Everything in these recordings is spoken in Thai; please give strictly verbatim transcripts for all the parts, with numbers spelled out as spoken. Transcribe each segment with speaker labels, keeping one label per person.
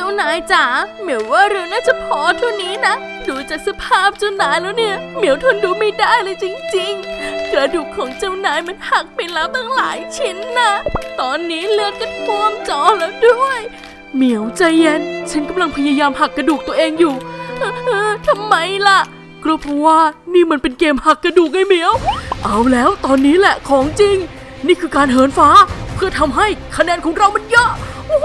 Speaker 1: จ้านายจ๋าเหมียวว่าเราน่าจะพอเท่านี้นะดูจากสภาพเจ้านายแล้วเนี่ยเหมียวทนดูไม่ได้เลยจริงๆกระดูกของเจ้านายมันหักไปแล้วตั้งหลายชิ้นนะตอนนี้เลือดก็ท่วมจอแล้วด้วยเหมียวใจเย็นฉันกำลังพยายามหักกระดูกตัวเองอยู่เออเออทำไมล่ะก็เพราะว่านี่มันเป็นเกมหักกระดูกไงเหมียวเอาแล้วตอนนี้แหละของจริงนี่คือการเหินฟ้าเพื่อทำให้คะแนนของเรามันเยอะโอ้โห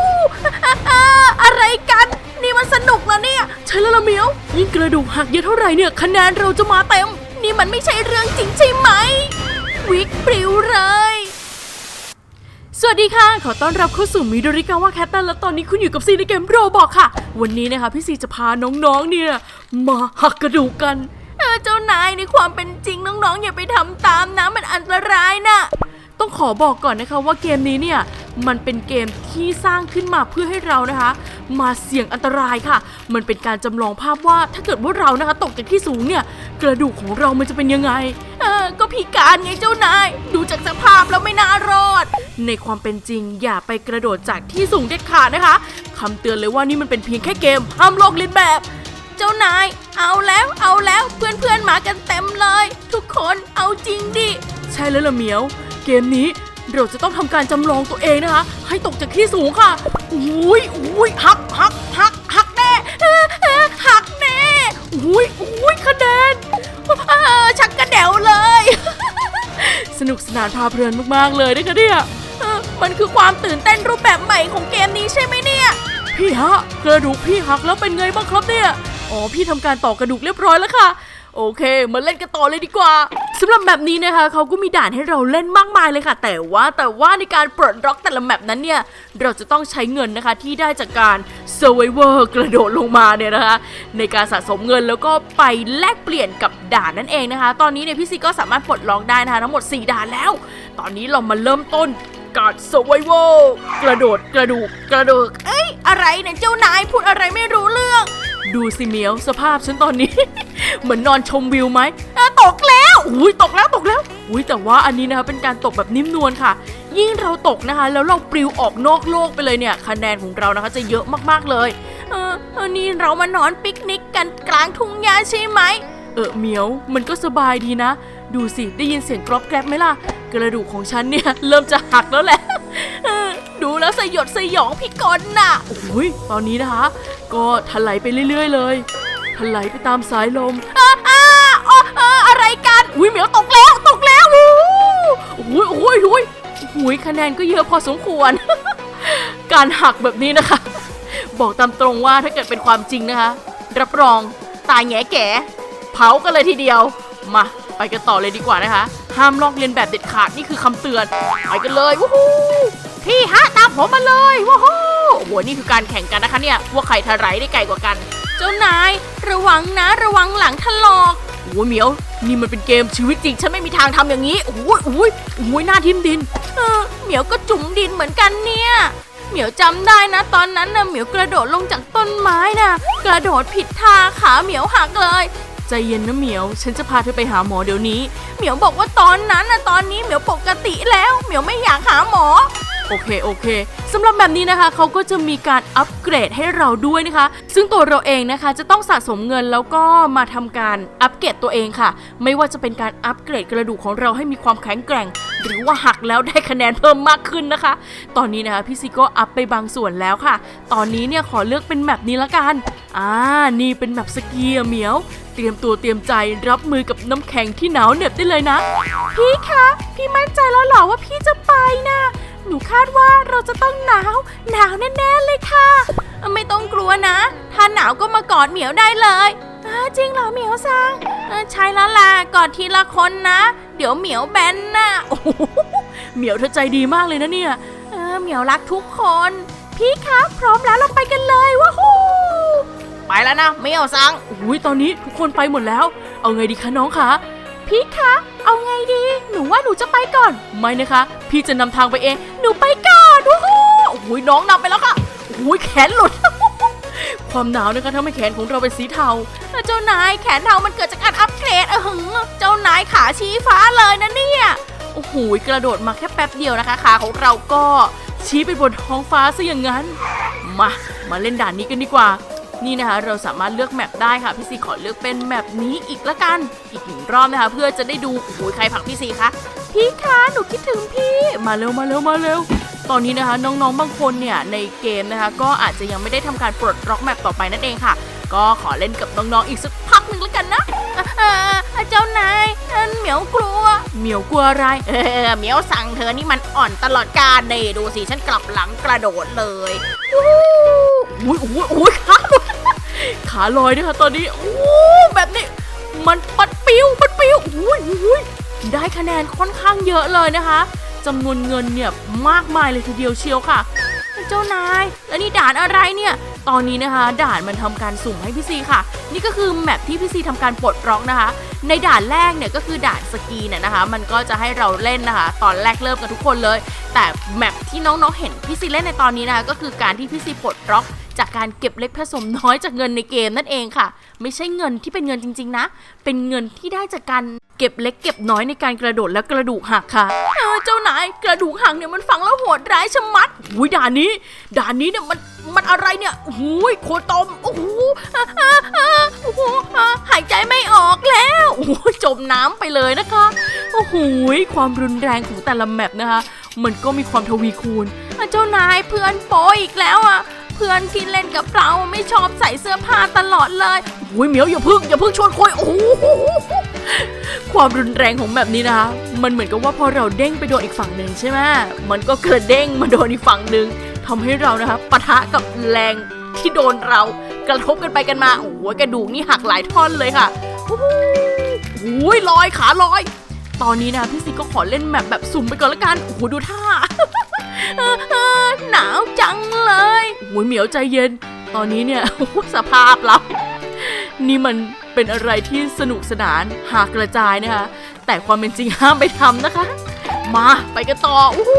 Speaker 1: อะไรกันนี่มันสนุกแล้วเนี่ยใช่แล้วล่ะเหมียวยิ่งกระดูกหักเยอะเท่าไหร่เนี่ยคะแนนเราจะมาเต็มนี่มันไม่ใช่เรื่องจริงใช่ไหมวิกปลิวเลยสวัสดีค่ะขอต้อนรับเข้าสู่มิโดริกาวะแคทตันและตอนนี้คุณอยู่กับซีในเกมโรบอกค่ะวันนี้นะคะพี่ซีจะพาน้องๆเนี่ยมาหักกระดูกกันเออเจ้านายในความเป็นจริงน้องๆอย่าไปทำตามนะมันอันตรายนะต้องขอบอกก่อนนะคะว่าเกมนี้เนี่ยมันเป็นเกมที่สร้างขึ้นมาเพื่อให้เรานะคะมาเสี่ยงอันตรายค่ะมันเป็นการจำลองภาพว่าถ้าเกิดว่าเรานะคะตกจากที่สูงเนี่ยกระดูกของเรามันจะเป็นยังไงเออก็พิการไงเจ้านายดูจากสภาพแล้วไม่น่ารอดในความเป็นจริงอย่าไปกระโดดจากที่สูงเด็ดขาดนะคะคำเตือนเลยว่านี่มันเป็นเพียงแค่เกมห้ามลอกเลียนแบบเจ้านายเอาแล้วเอาแล้วเพื่อนๆมากันเต็มเลยทุกคนเอาจริงดิใช่แล้วล่ะเหมียวเกมนี้เราจะต้องทำการจำลองตัวเองนะคะให้ตกจากที่สูงค่ะอุ้ยอุ้ยหักหักหักหักแน่หักแน่อุ้ยอุ้ยคะแนนชักกระเดวเลยสนุกสนานพาเพลินมากๆเลยนะคะเนี่ยมันคือความตื่นเต้นรูปแบบใหม่ของเกมนี้ใช่ไหมเนี่ยพี่ฮะกระดูกพี่หักแล้วเป็นไงบ้างครับเนี่ยอ๋อพี่ทำการต่อกระดูกเรียบร้อยแล้วค่ะโอเคมาเล่นกันต่อเลยดีกว่าสำหรับแมปนี้นะคะเขาก็มีด่านให้เราเล่นมากมายเลยค่ะแต่ว่าแต่ว่าในการปลดล็อกแต่ละแมปนั้นเนี่ยเราจะต้องใช้เงินนะคะที่ได้จากการ Survivor กระโดดลงมาเนี่ยนะคะในการสะสมเงินแล้วก็ไปแลกเปลี่ยนกับด่านนั่นเองนะคะตอนนี้เนี่ยพี่ซีก็สามารถปลดล็อกได้นะคะทั้งหมดสี่ด่านแล้วตอนนี้เรามาเริ่มต้นการ Survivor กระโดดกระดูกกระดูกเอ้ยอะไรเนี่ยเจ้านายพูดอะไรไม่รู้เรื่องดูสิเหมียวสภาพฉันตอนนี้ เหมือนนอนชมวิวไหมตกแล้วอุ้ยตกแล้วตกแล้วอุ้ยแต่ว่าอันนี้นะคะเป็นการตกแบบนิ่มนวลค่ะยิ่งเราตกนะคะแล้วเราปลิวออกนอกโลกไปเลยเนี่ยคะแนนของเรานะคะจะเยอะมากๆเลยเออเออนี่เรามานอนปิกนิกกันกลางทุ่งหญ้าใช่ไหมเออเหมียวมันก็สบายดีนะดูสิได้ยินเสียงกรอบแกรบไหมล่ะกระดูกของฉันเนี่ยเริ่มจะหักแล้วแหละดูแล้วสยดสยองพิกลน่ะโอ้ยตอนนี้นะคะก็ถลายไปเรื่อยๆเลยถลายไปตามสายลมอ่าอ่าอ่าอะไรกันอุ้ยเหมียวตกแล้วตกแล้วโอ้ยโอ้ยโอ้ยโอ้ยคะแนนก็เยอะพอสมควร การหักแบบนี้นะคะบอกตามตรงว่าถ้าเกิดเป็นความจริงนะคะรับรองตายแง่แก่เผากันเลยทีเดียวมาไปกันต่อเลยดีกว่านะคะห้ามลอกเลียนแบบเด็ดขาดนี่คือคำเตือนไปกันเลยวู้ฮู้พี่ฮะตามผมมาเลยวู้ฮู้โอ้โหนี่คือการแข่งกันนะคะเนี่ยว่าใครทะไหลได้ไกลกว่ากันเจ้านายระวังนะระวังหลังถลอกโอ้ยเหมียวนี่มันเป็นเกมชีวิตจริงฉันไม่มีทางทำอย่างนี้โอ้ยโอ้ยโอ้ยหน้าทิ่มดินเออเหมียวก็จุ่มดินเหมือนกันเนี่ยเหมียวจำได้นะตอนนั้นนะเหมียวกระโดดลงจากต้นไม้นะกระโดดผิดท่าขาเหมียวหักเลยใจเย็นนะเหมียวฉันจะพาเธอไปหาหมอเดี๋ยวนี้เหมียวบอกว่าตอนนั้นนะตอนนี้เหมียวปกติแล้วเหมียวไม่อยากหาหมอโอเคโอเคสำหรับแบบนี้นะคะเขาก็จะมีการอัปเกรดให้เราด้วยนะคะซึ่งตัวเราเองนะคะจะต้องสะสมเงินแล้วก็มาทำการอัปเกรดตัวเองค่ะไม่ว่าจะเป็นการอัปเกรดกระดูกของเราให้มีความแข็งแกร่งหรือว่าหักแล้วได้คะแนนเพิ่มมากขึ้นนะคะตอนนี้นะคะพี่ซีก็อัปไปบางส่วนแล้วค่ะตอนนี้เนี่ยขอเลือกเป็นแมปนี้ละกันอ่านี่เป็นแมปสกีอะเหมียวเตรียมตัวเตรียมใจรับมือกับน้ำแข็งที่หนาวเหน็บได้เลยนะพี่คะพี่มั่นใจแล้วเหรอว่าพี่จะไปนะหนูคาดว่าเราจะต้องหนาวหนาวแน่ๆเลยค่ะไม่ต้องกลัวนะถ้าหนาวก็มากอดเหมียวได้เลยจริงเหรอเหมียวซังใช่แล้วล่ะกอดทีละคนนะเดี๋ยวเหมียวแบนนะโอ้โหเหมียวเธอใจดีมากเลยนะเนี่ยเออเหมียวรักทุกคนพี่คะพร้อมแล้วเราไปกันเลยว้าวไปแล้วนะเหมียวซังอุ้ยตอนนี้ทุกคนไปหมดแล้วเอาไงดีคะน้องคะพี่คะเอาไงดีหนูว่าหนูจะไปก่อนไม่นะคะพี่จะนำทางไปเองหนูไปก่อนโอ้โหโอ้ยน้องนำไปแล้วค่ะโอ้ยแขนหลุด ความหนาวนะคะทำให้แขนของเราเป็นสีเทาเจ้านายแขนเทามันเกิดจากการอัปเกรดเออเจ้านายขาชี้ฟ้าเลยนะเนี่ยโอ้โหกระโดดมาแค่แป๊บเดียวนะคะขาของเราก็ชี้ไปบนท้องฟ้าซะอย่างนั้นมามามาเล่นด่านนี้กันดีกว่านี่นะคะเราสามารถเลือกแมปได้ค่ะพี่ซีขอเลือกเป็นแมปนี้อีกละกันอีกหนึ่งรอบนะคะเพื่อจะได้ดูโอ้ยใครผลักพี่ซีคะพี่คะหนูคิดถึงพี่มาเร็วมาเร็วมาเร็วตอนนี้นะคะน้องๆบางคนเนี่ยในเกมนะคะก็อาจจะยังไม่ได้ทำการปลดล็อกแมปต่อไปนั่นเองค่ะก็ขอเล่นกับน้องๆอีกสักพักหนึ่งแล้วกันนะเจ้านายเหมียวกลัวเหมียวกลัวอะไรเออเหมียวสั่งเธอนี่มันอ่อนตลอดกาลเลยดูสิฉันกลับหลังกระโดดเลยอุ้ยอุ้ยอุ้ยขาลอยขาลอยด้วยค่ะตอนนี้โอ้แบบนี้มันปัดปิ้วปัดปิ้วอุ้ยอุ้ยได้คะแนนค่อนข้างเยอะเลยนะคะจำนวนเงินเนี่ยมากมายเลยทีเดียวเชียวค่ะเจ้านายแล้วนี่ด่านอะไรเนี่ยตอนนี้นะคะด่านมันทำการสุ่มให้พี่ซีค่ะนี่ก็คือแมปที่พี่ซีทำการปลดล็อกนะคะในด่านแรกเนี่ยก็คือด่านสกีเนี่ยนะคะมันก็จะให้เราเล่นนะคะตอนแรกเริ่มกันทุกคนเลยแต่แมปที่น้องๆเห็นพี่ซีเล่นในตอนนี้นะคะก็คือการที่พี่ซีปลดล็อกจากการเก็บเล็กผสมน้อยจากเงินในเกมนั่นเองค่ะไม่ใช่เงินที่เป็นเงินจริงๆนะเป็นเงินที่ได้จากการเก็บเล็กเก็บน้อยในการกระโดดและกระดูกหักค่ะเออเจ้านายกระดูกหักเนี่ยมันฟังแล้วโหดร้ายชะมัดอุ้ยด่านนี้ด่านนี้เนี่ยมันมันอะไรเนี่ยโอ้ยโคตมโอ้โหโอ้โหหายใจไม่ออกแล้วโอ้จมน้ำไปเลยนะคะโอ้โหความรุนแรงของแต่ละแมปนะคะมันก็มีความทวีคูณเจ้านายเพื่อนโปอีกแล้วอ่ะเพื่อนที่เล่นกับเราไม่ชอบใส่เสื้อผ้าตลอดเลยโอ้ยเหมียวอย่าพึ่งอย่าพึ่งชวนคุยโอ้โหความรุนแรงของแบบนี้นะคะมันเหมือนกับว่าพอเราเด้งไปโดนอีกฝั่งหนึ่งใช่ไหมมันก็กระเด้งมาโดนอีกฝั่งหนึ่งทำให้เรานะคะปะทะกับแรงที่โดนเรากระทบกันไปกันมาโอ้โหกระดูกนี่หักหลายท่อนเลยค่ะโอ้โหลอยขาลอยตอนนี้นะพี่ซีก็ขอเล่นแมปแบบสุ่มไปก่อนละกันโอ้โหดูท่าหนาวจังเลยโอ้ยเหมียวใจเย็นตอนนี้เนี่ยสภาพเรานี่มันเป็นอะไรที่สนุกสนานหากกระจายนะคะแต่ความเป็นจริงห้ามไปทำนะคะมาไปกันต่อโอ้โห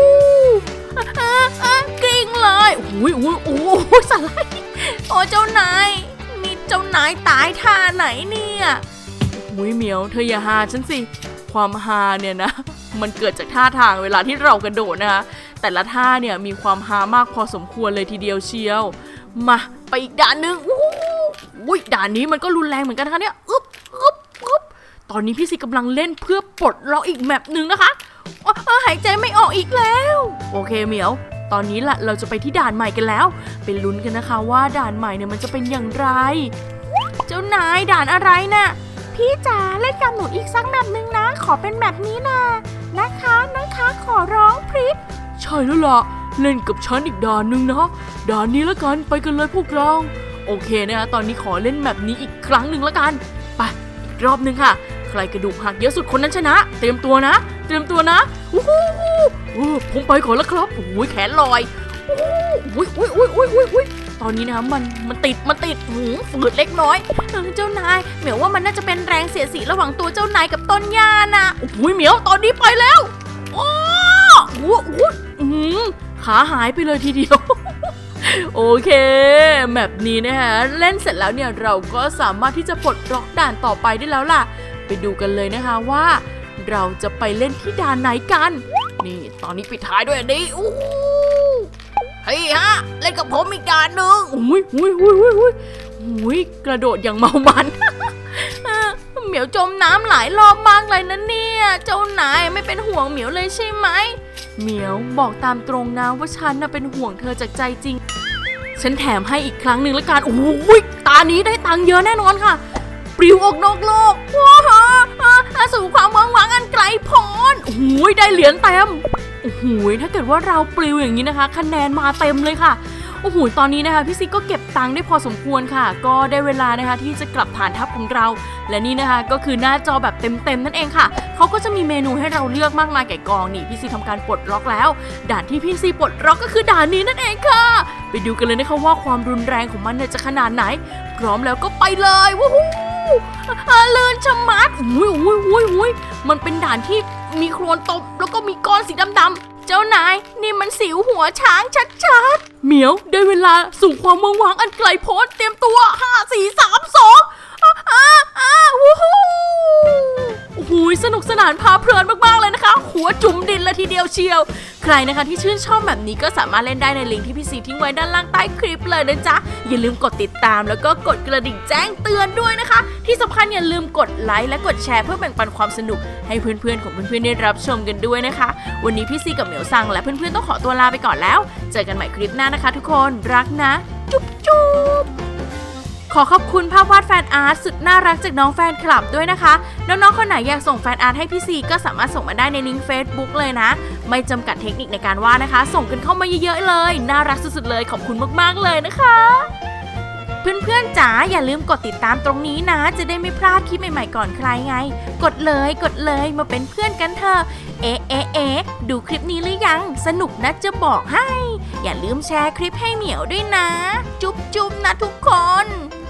Speaker 1: กริ้งเลยโอ้ยโอ้ยโอ้ยสไลด์โอ้เจ้านายนี่เจ้านายตายท่าไหนเนี่ยโอ้ยเหมียวเธออย่าหาฉันสิความฮาเนี่ยนะมันเกิดจากท่าทางเวลาที่เรากระโดดนะคะแต่ละท่าเนี่ยมีความฮามากพอสมควรเลยทีเดียวเชียวมาไปอีกด่านหนึ่งอุ้ยด่านนี้มันก็รุนแรงเหมือนกันนะคะเนี่ยอึ๊บอึ๊บอึ๊บตอนนี้พี่ซีกำลังเล่นเพื่อปลดล็อกอีกแมปหนึ่งนะคะหายใจไม่ออกอีกแล้วโอเคเหมียวตอนนี้แหละเราจะไปที่ด่านใหม่กันแล้วไปลุ้นกันนะคะว่าด่านใหม่เนี่ยมันจะเป็นอย่างไรเจ้านายด่านอะไรน่ะพี่จ๋าเล่นกับหนูอีกสักแมปหนึ่งนะขอเป็นแมปนี้นะนะคะนะคะขอร้องพริบใช่แล้วล่ะเล่นกับฉันอีกด่านหนึ่งนะด่านนี้ละกันไปกันเลยพวกเราโอเคนะคะตอนนี้ขอเล่นแมปนี้อีกครั้งหนึ่งละกันไปอีกรอบหนึ่งค่ะใครกระดูกหักเยอะสุดคนนั้นชนะเตรียมตัวนะเตรียมตัวนะอู้หูผมไปก่อนแล้วครับโอ้ยแขนลอยอุ้ยอุ้ยอุ้ยอุ้ยอุ้ยอุ้ยตอนนี้นะมันมันติดมันติดหูฝืดเล็กน้อยเจ้านายเหมียวว่ามันน่าจะเป็นแรงเสียดสีระหว่างตัวเจ้านายกับต้นหญ้านะอุ้ยเหมียวตอนนี้ไปแล้วโอ้โหขาหายไปเลยทีเดียวโอเคแมปนี้นะคะเล่นเสร็จแล้วเนี่ยเราก็สามารถที่จะปลดล็อกด่านต่อไปได้แล้วล่ะไปดูกันเลยนะคะว่าเราจะไปเล่นที่ด่านไหนกันนี่ตอนนี้ปิดท้ายด้วยอันนี้อู้เฮ้ยฮะเล่นกับผมอีกด่านหนึ่งอุ้ยอุ้ยอุ้ยอุ้ยอุ้ยกระโดดอย่างเมามันเหมียวจมน้ำหลายรอบมากเลยนะเนี่ยเจ้านายไม่เป็นห่วงเหมียวเลยใช่ไหมเหมียวบอกตามตรงนะว่าฉันน่ะเป็นห่วงเธอจากใจจริงฉันแถมให้อีกครั้งหนึ่งละกันโอ้ยตานี้ได้ตังค์เยอะแน่นอนค่ะปลิวออกนอกโลกว้าวสู่ความหวังหวังอันไกลโพ้นโอ้ยได้เหรียญเต็มโอ้โหถ้าเกิดว่าเราปลิวอย่างนี้นะคะคะแนนมาเต็มเลยค่ะโอ้โหตอนนี้นะคะพี่ซิกก็เก็บตังค์ได้พอสมควรค่ะก็ได้เวลานะคะที่จะกลับฐานทัพของเราและนี่นะคะก็คือหน้าจอแบบเต็มๆนั่นเองค่ะเขาก็จะมีเมนูให้เราเลือกมากมายแก่กองนี่พี่ซีทำการปลดล็อกแล้วด่านที่พี่ซีปลดล็อกก็คือด่านนี้นั่นเองค่ะไปดูกันเลยนะคะว่าความรุนแรงของมันเนี่ยจะขนาดไหนพร้อมแล้วก็ไปเลยวู้ฮู้เลื่อนชะมัดอุ้ยอุ้ยอุ้ยอุ้ยมันเป็นด่านที่มีโคลนตบแล้วก็มีก้อนสีดำๆเจ้านายนี่มันสิวหัวช้างชัดๆเหมียวได้เวลาสู่ความเมืองวังอันไกลโพ้นเตรียมตัวห้า สี่ สาม สองอ้าอ้าวู้ฮู้โอ้โหสนุกสนานพาเพลินมากๆเลยนะคะหัวจุ่มดินเลยทีเดียวเชียวใครนะคะที่ชื่นชอบแบบนี้ก็สามารถเล่นได้ในลิงก์ที่พี่ซีทิ้งไว้ด้านล่างใต้คลิปเลยนะจ๊ะอย่าลืมกดติดตามแล้วก็กดกระดิ่งแจ้งเตือนด้วยนะคะที่สำคัญอย่าลืมกดไลค์และกดแชร์เพื่อแบ่งปันความสนุกให้เพื่อนๆของเพื่อนๆได้รับชมกันด้วยนะคะวันนี้พี่ซีกับเหมียวซังและเพื่อนๆต้องขอตัวลาไปก่อนแล้วเจอกันใหม่คลิปหน้านะคะทุกคนรักนะจุ๊บจุ๊บขอขอบคุณภาพวาดแฟนอาร์ตสุดน่ารักจากน้องแฟนคลับด้วยนะคะน้องๆคนไหนอยากส่งแฟนอาร์ตให้พี่ซีก็สามารถส่งมาได้ในลิงก์ Facebook เลยนะไม่จำกัดเทคนิคในการวาดนะคะส่งกันเข้ามาเยอะๆเลยน่ารักสุดๆเลยขอบคุณมากๆเลยนะคะเพื่อนๆจ๋าอย่าลืมกดติดตามตรงนี้นะจะได้ไม่พลาดคลิปใหม่ๆก่อนใครไงกดเลยกดเลยมาเป็นเพื่อนกันเถอะเอ๊ะเอ๊ะเอ๊ะดูคลิปนี้หรือยังสนุกนะจะบอกให้อย่าลืมแชร์คลิปให้เหมียวด้วยนะจุ๊บจุ๊บนะทุกคน